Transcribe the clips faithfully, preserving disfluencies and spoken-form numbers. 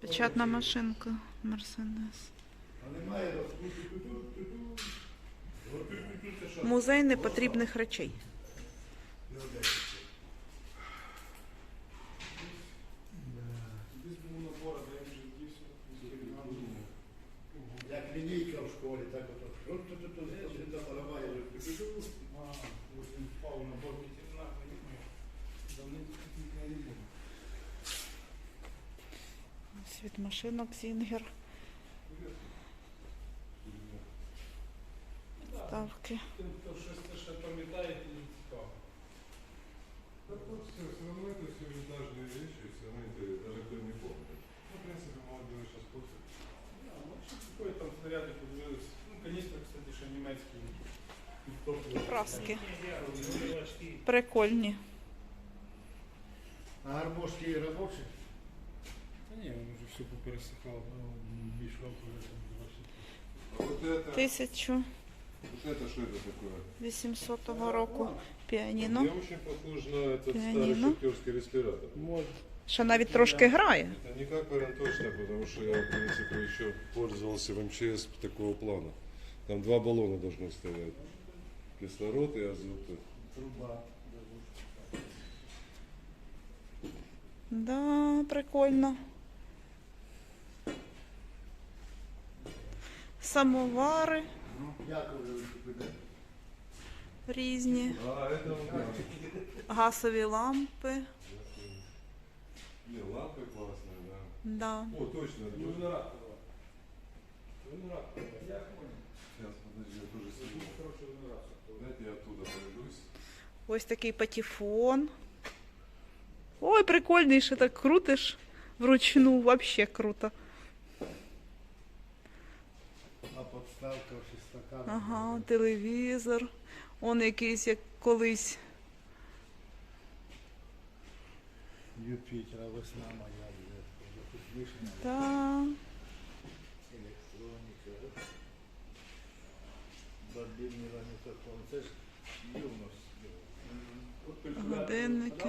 Печатна машинка Мерседес. Музей непотрібних речей. Як лінійка в школі, так от. Світ машинок Зінгер. Ставки. Тим, хто щось ще пам'ятає, і цікаво. Да просто все равно это все винтажные вещи, все равно это даже кто не помнит. Ну, в принципе, молодежь сейчас после. Да, ну, що такое там снаряди подивились. Ну, каністри, кстати, ще німецькі. Праски. Прикольні. А гармошки робочі? Та ні, він вже все попересихав. Більшов вже там А вот это, тисяча вот это что это такое? вісімсотого року. Піаніно. Мне очень похож на этот Пианино. старый шахтерский респиратор. Може. Ще навіть трошки грає. Это не как варанточно, потому что я, в принципе, еще пользовался в эм че эс такого плана. Там два баллона должно стоять. Кислород и азот. Труба. Да, прикольно. Самовари Як вже виступити? різні, А, это у меня. газові лампи. Не, лампы классные, да. Да. О, точно. Ну, точно. виноград. Виноград. Я понял. Сейчас, подожди, я тоже сниму. Хороший виноград. Дайте я оттуда пройдусь. Ось такий патефон. Ой, прикольний, що так крутиш вручну, вообще круто. А подставка ще стакан. Ага, телевізор. Он якийсь, як колись. Юпітера, весна моя, вже вишня, Да. електроніка. Бабільний ламітофон. Це ж юність. Годинники.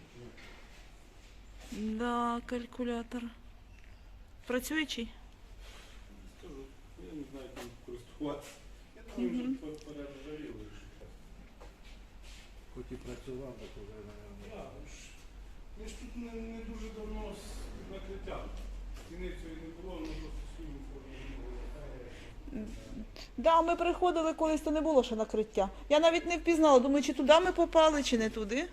Да, калькулятор. Працюючий? Скажу, я не знаю, як ним користуватися. Я думаю, вже перержавіли. Хоч і працював, так вже, мабуть. Так, ну ж, ми ж тут не, не дуже давно з накриттям. Стіни цієї не було, воно просто свою форму не було. Да, ми приходили колись, то не було ще накриття. Я навіть не впізнала, думаю, чи туди ми попали, чи не туди.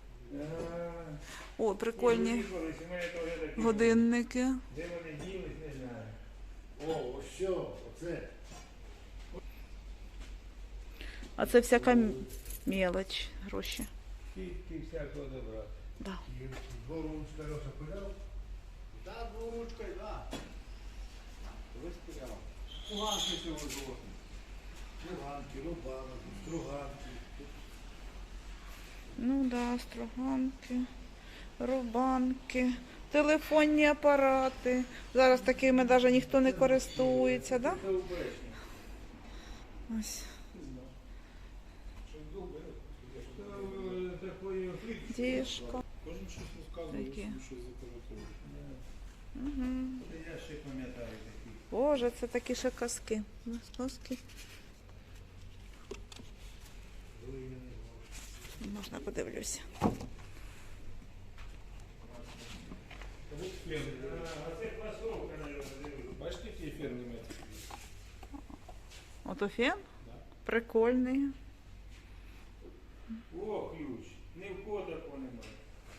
О, прикольні годинники. Де вони ділись, не знаю. О, ось що, оце. А це всяка м- мелоч, гроші. Скільки всякого добра. Да. Дворучка Леша пиляв? Да, дворучкою, да. Ви спіляв. Пуганки цього золотні. Пуганки, рубанок, струганки. Ну да, строганки, рубанки, телефонні апарати. Зараз такими навіть ніхто не користується, да? Це убречні. Ось. Щось довго, Це такої Діжка. кожен щось розказує, Такі. собі щось запам'ятовує. Угу. я ще пам'ятаю такі. Боже, це такі ще казки. Казки. Можна подивлюся. А це класовка, мабуть. Бачите, який ефір німецький? Ото фен? Прикольний. О, ключ. Ні в кого такого немає.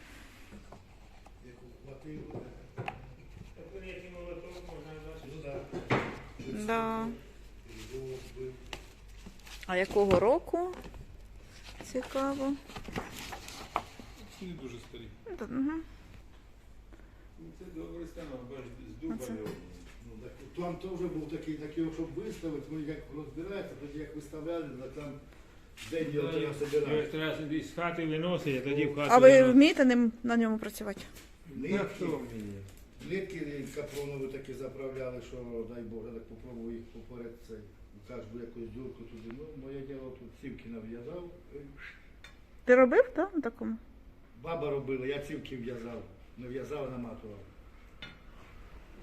Яку хватило. Так вони як і молоток можна бачити. Ну так. Да. Розбив. А якого року? Цікаво. Ці не дуже старі. Угу. Ну, це добрий станок, бачите, з дуба Оце. його. Ну, так, там теж був такий, такий, щоб виставити, ну як розбирається, тоді як виставляли, так там день його треба собирати. Треба собі з хати виносить, а тоді в хату А ви виносить. вмієте ним, на ньому працювати? Ну, хто вміє? Нитки капронові такі заправляли, що, дай Боже, так попробую їх поперед цей. Кажу, якусь дюрку туди. Ну, моє діло тут цівки нав'язав. Ти робив, так, на такому? Баба робила, я цівки в'язав. Не в'язав, а наматував.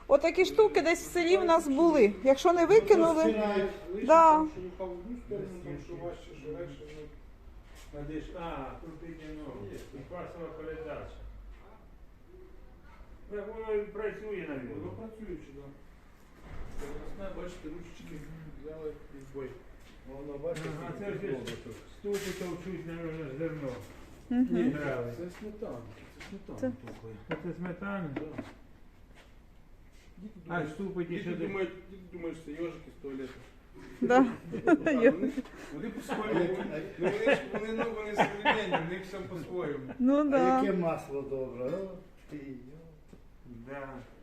Отакі штуки десь в селі в нас були. Якщо не викинули, Розпирають. Лише Да. там, що упав в одну сторону, там що важче, що легше, ну, Надиш, а, тут іде, ну, і класова передача. Так воно і працює, воно навіть. працюючи, так. Переносне, бачите, ручечки взяли і бой. Воно бачите, Ага, це скільки ж довго тут. ступи товчуть, навіть, зерно. Мгм. Ні, брали. Це сметана, це сметана Це- тупає. Це сметана? Да. Діти А, думають, ступи ті, діти що де- думають, діти думають, що це йожики з туалету. да. Так, Вони, вони по-своєму, А як- ну, вони, ж- вони, ну, вони современні, в них все по-своєму. Ну А да. яке масло добре, о, ти, йо. Да.